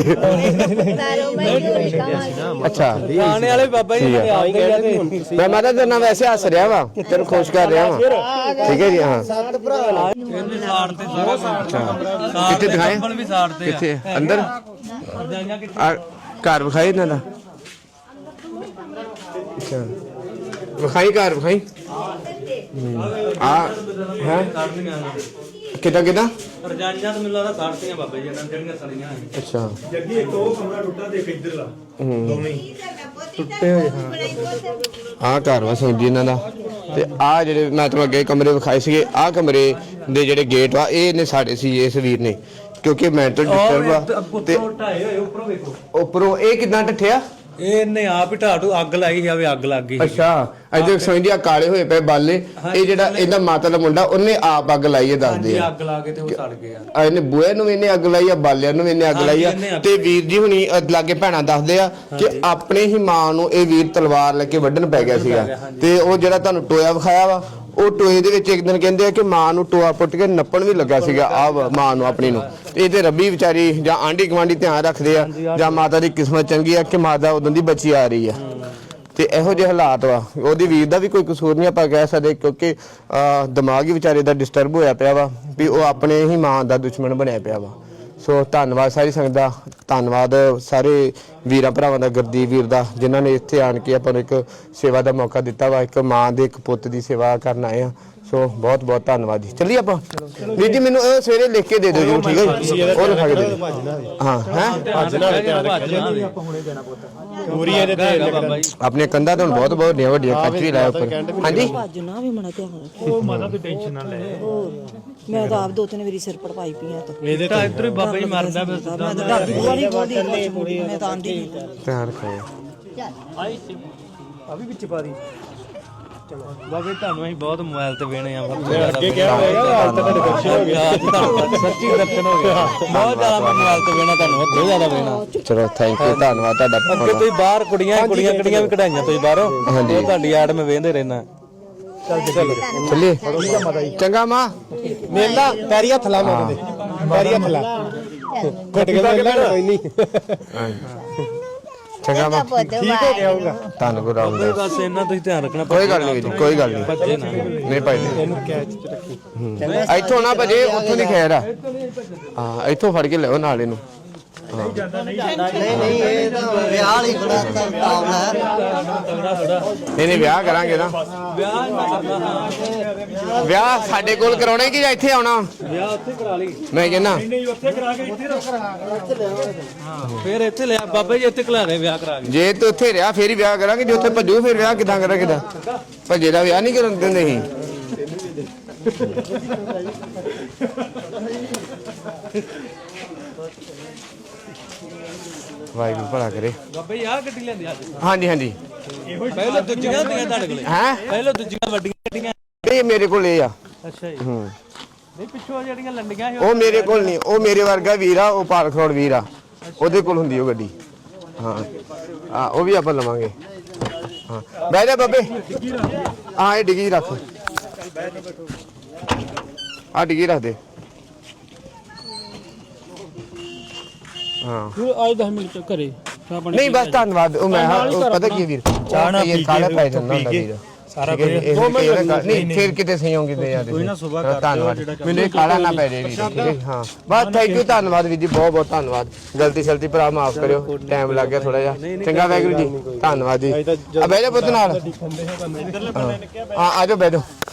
Speaker 1: ਅੱਛਾ
Speaker 5: ਆਣੇ ਵਾਲੇ ਬਾਬਾ ਜੀ ਨੇ ਆ ਗਏ ਤੇ
Speaker 1: ਮੈਂ ਮਾਤਾ ਤੇਰੇ ਨਾਲ ਵੈਸੇ ਹੱਸ ਰਿਹਾ ਵਾ ਤੈਨੂੰ ਖੁਸ਼ ਕਰ ਰਿਹਾ ਵਾ ਠੀਕ ਹੈ ਜੀ ਹਾਂ
Speaker 5: ਇਹਨੇ ਸਾੜ ਤੇ ਸਾਰਾ
Speaker 1: ਕਿੱਥੇ ਦਿਖਾਏ
Speaker 5: ਵੀ ਸਾੜ ਤੇ
Speaker 1: ਕਿੱਥੇ ਅੰਦਰ ਆ ਘਰ ਵਿਖਾਈ ਇਹਨਾਂ ਦਾ ਅੱਛਾ ਵਿਖਾਈ ਘਰ ਵਿਖਾਈ ਆ ਹੈ ਕਿੱਦਾਂ ਕਿੱਦਾਂ
Speaker 5: ਰਜਾਈਆਂ ਤਾਂ ਮੈਨੂੰ ਲੱਗਦਾ ਸਾੜਤੀਆਂ ਬਾਬਾ ਜੀ ਇਹਨਾਂ ਜਿਹੜੀਆਂ ਸੜੀਆਂ
Speaker 1: ਅੱਛਾ
Speaker 5: ਜੱਗੀ ਇੱਕ ਉਹ ਕਮਰਾ ਟੁੱਟਾ ਤੇ ਇੱਕ ਇੱਧਰ ਲਾ
Speaker 1: ਹੂੰ
Speaker 5: ਦੋਵੇਂ ਹੀ
Speaker 1: ਟੁੱਟੇ ਹੋਏ ਹਾਂ ਆ ਘਰ ਵਾ ਸੌਂਜੀ ਇਹਨਾਂ ਦਾ ਤੇ ਆ ਜਿਹੜੇ ਮੈਂ ਤੁਹਾਨੂੰ ਅੱਗੇ ਕਮਰੇ ਵਿਖਾਏ ਸੀਗੇ, ਆ ਕਮਰੇ ਦੇ ਜਿਹੜੇ ਗੇਟ ਆ ਇਹ ਇਹਨੇ ਸਾਡੇ ਸੀ ਇਸ ਵੀਰ ਨੇ, ਕਿਉਂਕਿ ਮੈਂਟਲ ਡਿਸਟਰਬ ਆ ਤੇ
Speaker 5: ਢਾਏ ਹੋਏ ਉੱਪਰੋਂ ਵੇਖੋ,
Speaker 1: ਉੱਪਰੋਂ ਇਹ ਕਿਦਾਂ ਟੱਠਿਆ,
Speaker 5: ਇਹਨੇ ਆਪ ਹੀ ਢਾਟੂ ਅੱਗ ਲਾਈ ਜਾਵੇ, ਅੱਗ ਲੱਗ ਗਈ।
Speaker 1: ਅੱਛਾ ਅਜੇ ਸਮਝਦੀ ਆ ਕਾਲੇ ਹੋਏ ਪਏ ਬਾਲੇ, ਇਹ ਜਿਹੜਾ ਇਹਦਾ ਮਾਤਾ ਦਾ ਮੁੰਡਾ ਉਹਨੇ ਆਪ ਅੱਗ ਲਾਈ ਹੈ ਦੱਸਦੇ ਆ,
Speaker 5: ਅੱਗ ਲਾ ਕੇ ਤੇ ਉਹ ਸੜ ਗਿਆ।
Speaker 1: ਆ ਇਹਨੇ ਬੂਹੇ ਨੂੰ ਵੀ ਇਹਨੇ ਅੱਗ ਲਾਈ ਆ, ਬਾਲਿਆਂ ਨੂੰ ਵੀ ਇਹਨੇ ਅੱਗ ਲਾਈ ਆ। ਤੇ ਵੀਰ ਜੀ ਹੁਣੀ ਅ, ਲਾਗੇ ਭੈਣਾਂ ਦੱਸਦੇ ਆ ਕਿ ਆਪਣੇ ਹੀ ਮਾਂ ਨੂੰ ਇਹ ਵੀਰ ਤਲਵਾਰ ਲੈ ਕੇ ਵੱਢਣ ਪੈ ਗਿਆ ਸੀਗਾ। ਤੇ ਉਹ ਜਿਹੜਾ ਤੁਹਾਨੂੰ ਟੋਇਆ ਵਿਖਾਇਆ ਵਾ, ਉਹ ਟੋਏ ਦੇ ਵਿੱਚ ਇੱਕ ਦਿਨ ਕਹਿੰਦੇ ਆ ਕਿ ਮਾਂ ਨੂੰ ਟੋਆ ਪੁੱਟ ਕੇ ਨੱਪਣ ਵੀ ਲੱਗਾ ਸੀਗਾ ਆ ਮਾਂ ਨੂੰ ਆਪਣੀ ਨੂੰ। ਇਹ ਤੇ ਰੱਬੀ ਵਿਚਾਰੀ ਜਾਂ ਆਂਢੀ ਗੁਆਂਢੀ ਧਿਆਨ ਰੱਖਦੇ ਆ, ਜਾਂ ਮਾਤਾ ਦੀ ਕਿਸਮਤ ਚੰਗੀ ਆ ਕਿ ਮਾਤਾ ਉਦੋਂ ਦੀ ਬੱਚੀ ਆ ਰਹੀ ਆ। ਤੇ ਇਹੋ ਜਿਹੇ ਹਾਲਾਤ ਵਾ, ਉਹਦੀ ਵੀਰ ਦਾ ਵੀ ਕੋਈ ਕਸੂਰ ਨਹੀਂ ਆਪਾਂ ਕਹਿ ਸਕਦੇ, ਕਿਉਂਕਿ ਅਹ, ਦਿਮਾਗ ਹੀ ਵਿਚਾਰੇ ਦਾ ਡਿਸਟਰਬ ਹੋਇਆ ਪਿਆ ਵਾ ਵੀ ਉਹ ਆਪਣੇ ਹੀ ਮਾਂ ਦਾ ਦੁਸ਼ਮਣ ਬਣਿਆ ਪਿਆ ਵਾ। ਸੋ ਧੰਨਵਾਦ ਸਾਰੀ ਸੰਗਤ ਦਾ, ਧੰਨਵਾਦ ਸਾਰੇ ਵੀਰਾਂ ਭਰਾਵਾਂ ਦਾ, ਗੁਰਦੀਪ ਵੀਰ ਦਾ, ਜਿਨ੍ਹਾਂ ਨੇ ਇੱਥੇ ਆਣ ਕੇ ਆਪਾਂ ਨੂੰ ਇੱਕ ਸੇਵਾ ਦਾ ਮੌਕਾ ਦਿੱਤਾ ਵਾ। ਇੱਕ ਮਾਂ ਦੇ ਇੱਕ ਪੁੱਤ ਦੀ ਸੇਵਾ ਕਰਨ ਆਏ ਆ, ਸੋ ਬਹੁਤ ਬਹੁਤ ਧੰਨਵਾਦ ਜੀ। ਚੱਲੀਏ ਆਪਾਂ ਵੀਰ ਜੀ, ਮੈਨੂੰ ਉਹ ਸਵੇਰੇ ਲਿਖ ਕੇ ਦੇ ਦਿਓ ਜੀ, ਠੀਕ ਹੈ ਜੀ, ਉਹ ਲਿਖਾ ਕੇ ਦੇ ਦਿਓ। ਹਾਂ ਹੈ ਆਪਣੇ ਕੰਧਾਂ ਤੋਂ ਬਹੁਤ ਬਹੁਤ ਵੱਡੀਆਂ ਵੱਡੀਆਂ ਕੱਚ ਵੀ ਲਾਇਆ ਉੱਪਰ। ਹਾਂਜੀ
Speaker 9: ਭੱਜਣਾ ਵੀ ਮਣਾ ਧਿਆਨ ਰੱਖੋ, ਉਹ ਮਾਤਾ ਤੂੰ ਟੈਨਸ਼ਨ ਨਾ ਲੈ, ਮੈਂ ਤਾਂ ਆਪ ਦੋ ਤਿੰਨ ਵਾਰੀ ਸਿਰ ਪੜਵਾਈ ਪਈਆਂ ਤਾਂ
Speaker 5: ਇਹਦੇ ਤਾਂ ਇੱਧਰ ਹੀ ਬਾਬਾ ਜੀ ਮਰਦਾ ਫਿਰ ਸਿੱਧਾ।
Speaker 9: ਮੈਂ ਤਾਂ ਡਰਦੀ ਵਾਲੀ ਬੋਲਦੀ, ਮੈਂ ਤਾਂ ਆਂਦੀ ਨਹੀਂ।
Speaker 1: ਧਿਆਨ ਰੱਖੋ।
Speaker 5: ਆ ਵੀ ਵਿੱਚ ਪਾ ਦੀ। ਚਲੋ ਬਾਬੇ ਤੁਹਾਨੂੰ ਅਸੀਂ ਬਹੁਤ ਮੋਬਾਈਲ ਤੇ ਵੇਣੇ ਆ,
Speaker 2: ਅੱਗੇ ਕਿਹਾ ਹੋਏਗਾ ਅੱਜ ਤੱਕ ਦਰਸ਼ਨ ਹੋ ਗਿਆ,
Speaker 5: ਸੱਚੀ ਦਰਸ਼ਨ ਹੋ ਗਿਆ। ਬਹੁਤ ਜ਼ਿਆਦਾ ਮੋਬਾਈਲ ਤੇ ਵੇਣਾ ਤੁਹਾਨੂੰ, ਬਹੁਤ ਜ਼ਿਆਦਾ ਵੇਣਾ।
Speaker 1: ਚਲੋ ਥੈਂਕ ਯੂ, ਧੰਨਵਾਦ ਤੁਹਾਡਾ।
Speaker 5: ਅੱਗੇ ਤੁਸੀਂ ਬਾਹਰ ਕੁੜੀਆਂ ਕੁੜੀਆਂ ਕੁੜੀਆਂ ਵੀ ਕਢਾਈਆਂ ਤੁਸੀਂ ਬਾਹਰੋਂ, ਉਹ ਤੁਹਾਡੀ ਐਡ ਮੈਂ ਵੇਖਦੇ ਰਹਿਣਾ।
Speaker 1: ਚੱਲੀਏ ਚੰਗਾ ਮਾਂ,
Speaker 2: ਮੇਲਾ ਪੈਰੀ ਹੱਥ ਲਾ, ਮੰਗਦੇ ਪੈਰੀ ਹੱਥ ਲਾ, ਘੁੱਟ ਕੇ ਮੇਲਾ ਕੋਈ ਨਹੀਂ।
Speaker 1: ਚੰਗਾ ਮਾਂ,
Speaker 2: ਠੀਕ ਹੋ ਗਿਆ ਹੋਊਗਾ।
Speaker 1: ਧੰਨ ਗੁਰੂ ਰਾਮਦਾਸ।
Speaker 5: ਬਸ ਇਹਨਾਂ ਤੁਸੀਂ ਧਿਆਨ ਰੱਖਣਾ,
Speaker 1: ਕੋਈ ਗੱਲ ਨਹੀਂ, ਕੋਈ ਗੱਲ ਨਹੀਂ,
Speaker 5: ਭੱਜੇ ਨਾ।
Speaker 1: ਨਹੀਂ ਭਾਈ
Speaker 2: ਇਹਨੂੰ ਕੈਚ ਚ ਰੱਖੀ।
Speaker 1: ਇੱਥੋਂ ਨਾ ਭਜੇ, ਉੱਥੋਂ ਦੀ ਖੈਰ ਆ। ਹਾਂ ਇੱਥੋਂ ਫੜ ਕੇ ਲਿਓ ਨਾਲ ਇਹਨੂੰ।
Speaker 8: ਨਹੀਂ ਨਹੀਂ ਇਹ ਤਾਂ ਵਿਆਹ ਵਾਲੀ ਬੜਾ ਕੰਮ ਹੈ।
Speaker 1: ਨਹੀਂ ਨਹੀਂ ਵਿਆਹ ਕਰਾਂਗੇ ਨਾ, ਵਿਆਹ ਸਾਡੇ ਕੋਲ ਕਰਾਉਣਾ ਕਿ ਜਾਂ ਇੱਥੇ ਆਉਣਾ?
Speaker 5: ਵਿਆਹ ਉੱਥੇ ਕਰਾ ਲਈ,
Speaker 1: ਮੈਂ ਕਹਿੰਦਾ
Speaker 5: ਫਿਰ ਇੱਥੇ ਲਿਆ ਬਾਬਾ ਜੀ, ਇੱਥੇ ਕਲਾ ਦੇ ਵਿਆਹ ਕਰਾ ਕੇ।
Speaker 1: ਜੇ ਤੂੰ ਉੱਥੇ ਰਿਹਾ ਫੇਰ ਹੀ ਵਿਆਹ ਕਰਾਂਗੇ, ਜੇ ਉੱਥੇ ਭੱਜੂ ਫਿਰ ਵਿਆਹ ਕਿਦਾਂ ਕਰਾਂ? ਕਿਦਾਂ ਭੱਜੇ ਦਾ ਵਿਆਹ ਨਹੀਂ ਕਰਨ ਦਿੰਦੇ ਸੀ। ਵਾਹਿਗੁਰੂ ਭਲਾ ਕਰੇ।
Speaker 5: ਬਾਬਾ ਜੀ ਆਹ ਗੱਡੀ ਲੈਂਦੇ ਅੱਜ?
Speaker 1: ਹਾਂਜੀ ਹਾਂਜੀ,
Speaker 5: ਪਹਿਲਾਂ ਦੂਜੀਆਂ ਹੁੰਦੀਆਂ ਤੁਹਾਡੇ ਕੋਲੇ?
Speaker 1: ਹੈ
Speaker 5: ਪਹਿਲਾਂ ਦੂਜੀਆਂ ਵੱਡੀਆਂ ਗੱਡੀਆਂ?
Speaker 1: ਇਹ ਮੇਰੇ ਕੋਲ ਇਹ ਆ।
Speaker 5: ਅੱਛਾ ਜੀ।
Speaker 1: ਹੂੰ,
Speaker 5: ਨਹੀਂ ਪਿੱਛੋਂ ਜਿਹੜੀਆਂ ਲੰਡੀਆਂ ਸੀ
Speaker 1: ਉਹ ਮੇਰੇ ਕੋਲ ਨਹੀਂ, ਉਹ ਮੇਰੇ ਵਰਗਾ ਵੀਰ ਆ, ਉਹ ਪਾਲ ਖਰੋੜ ਵੀਰ ਆ, ਉਹਦੇ ਕੋਲ ਹੁੰਦੀ ਉਹ ਗੱਡੀ। ਹਾਂ ਹਾਂ, ਉਹ ਵੀ ਆਪਾਂ ਲਵਾਂਗੇ। ਹਾਂ ਬਹਿ ਜਾ ਬਾਬੇ। ਹਾਂ ਇਹ ਡਿੱਗੀ ਰੱਖ, ਆ ਡਿੱਗੀ ਰੱਖ ਦੇ। ਹਾਂ
Speaker 4: ਅੱਜ ਦਸ ਮਿੰਟ ਘਰੇ
Speaker 1: ਨਹੀਂ ਬਸ ਧੰਨਵਾਦ। ਉਹ ਮੈਂ ਉਹ ਪਤਾ ਕੀ ਵੀਰ, ਚਾਹ ਨਾ ਪੀ ਕਾਲਾ ਪੈ ਜਾਂਦਾ ਹੁੰਦਾ ਵੀਰ ਸਾਰਾ ਕੁਝ। ਨਹੀਂ ਫਿਰ ਕਿਤੇ ਸਹੀ ਹੋਣਗੇ ਤੇ ਯਾਰ। ਕੋਈ ਨਾ ਸੁਬਾਹ ਧੰਨਵਾਦ, ਮੈਨੂੰ ਇਹ ਕਾਲਾ ਨਾ ਪੈ ਜੇ ਵੀਰ, ਠੀਕ ਹੈ? ਹਾਂ ਬਸ ਥੈਂਕ ਯੂ, ਧੰਨਵਾਦ ਵੀਰ ਜੀ, ਬਹੁਤ ਬਹੁਤ ਧੰਨਵਾਦ। ਗਲਤੀ ਸ਼ਲਤੀ ਭਰਾ ਮਾਫ ਕਰਿਓ, ਟਾਈਮ ਲੱਗ ਗਿਆ ਥੋੜਾ ਜਿਹਾ। ਚੰਗਾ ਵਾਹਿਗੁਰੂ ਜੀ, ਧੰਨਵਾਦ ਜੀ। ਆ ਬਹਿ ਜਾ ਪੁੱਤ ਨਾਲ। ਹਾਂ ਆ ਜਾਓ ਬਹਿ ਜਾਓ।